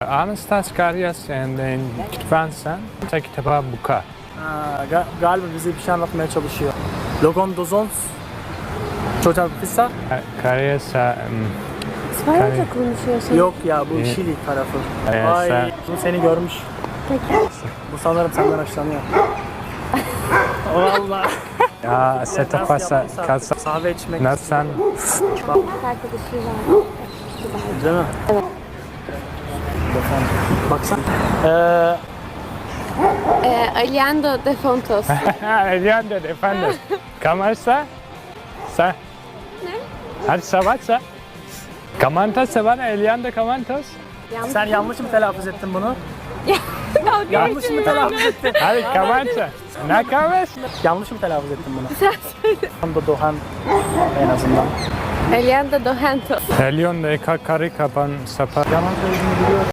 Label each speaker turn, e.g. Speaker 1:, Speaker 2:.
Speaker 1: Anastas Karyas and then Kitvansan, kitaba buka.
Speaker 2: Galiba bize bir şey anlatmaya çalışıyor. Logon dozons. Çocuğa pizza.
Speaker 1: Karyas,
Speaker 3: İspanyolca konuşuyorsun.
Speaker 2: Yok ya bu Şili tarafı.
Speaker 1: Karyas,
Speaker 2: Ay bu seni görmüş.
Speaker 3: Peki.
Speaker 2: Bu sanırım senden hoşlanıyor. Vallahi.
Speaker 1: ya se to pasa, kalsa,
Speaker 2: Kahve içmek.
Speaker 1: nassan,
Speaker 3: Arkadaşı var.
Speaker 2: Değil mi?
Speaker 3: Evet.
Speaker 2: Baksana.
Speaker 3: Aliendo de Fontos.
Speaker 1: Eliando, efendim. Kamarsa, sa. Ne? Hadi savatsa. Kamantos sevana, Eliando Kamantos.
Speaker 2: Sen yanlış mı telaffuz ettin bunu? Yanlış mı telaffuz ettin?
Speaker 1: Hadi Kamansa. Ne kames?
Speaker 2: Yanlış mı telaffuz ettin bunu? Sen söyle. Doğan en azından.
Speaker 3: Aliendo do Hentos.
Speaker 1: Elion de karı kapan sapa.
Speaker 2: Yalan söylediğini biliyorum.